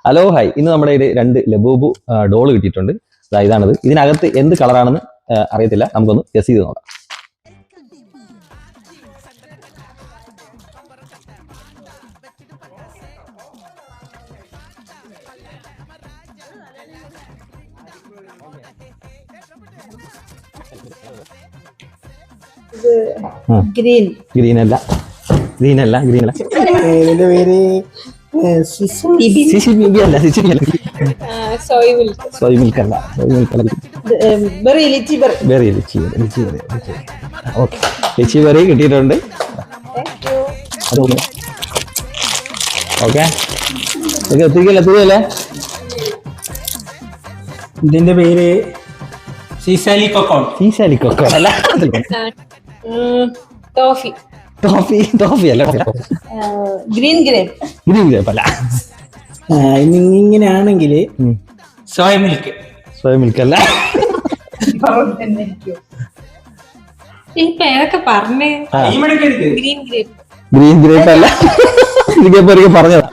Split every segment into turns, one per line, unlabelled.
Hello hi, ഇന്ന് നമ്മുടെ കയ്യിൽ 2 ലബൂബു ഡോള് കിട്ടിയിട്ടുണ്ട്. ഇതാണിത്. ഇതിനകത്ത് എന്ത് കളറാണെന്ന് അറിയത്തില്ല, നമുക്കൊന്ന് ഗസ് ചെയ്ത് നോക്കാം.
ഗ്രീൻ
ഗ്രീനല്ല.
ഇതിന്റെ പേര്
സോയ് മിൽക്ക് അല്ല.
Berry lychee berry
okay, lychee berry കിട്ടിയിട്ടുണ്ട്. ഓക്കെ, എത്തിക്കല്ലേ.
ഇതിന്റെ പേര് സീസാലി കൊക്കോ
അല്ല. ടോഫി അല്ല.
ഗ്രീൻ
ഗ്രേപ്പ് അല്ല.
ഇങ്ങനെയാണെങ്കിൽ സോയ മിൽക്ക്
അല്ല.
ഈ പേരൊക്കെ പറഞ്ഞേ.
ഗ്രീൻ ഗ്രേപ്പ് അല്ല. ഇതിപ്പോ പറഞ്ഞതാ.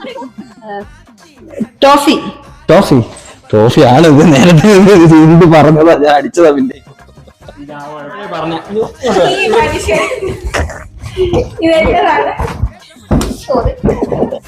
ടോഫി ആണ്. ഇത് നേരത്തെ ഇത് പറഞ്ഞതാ, ഞാൻ അടിച്ചതാ. പിന്നെ
ഇതെന്താണ്?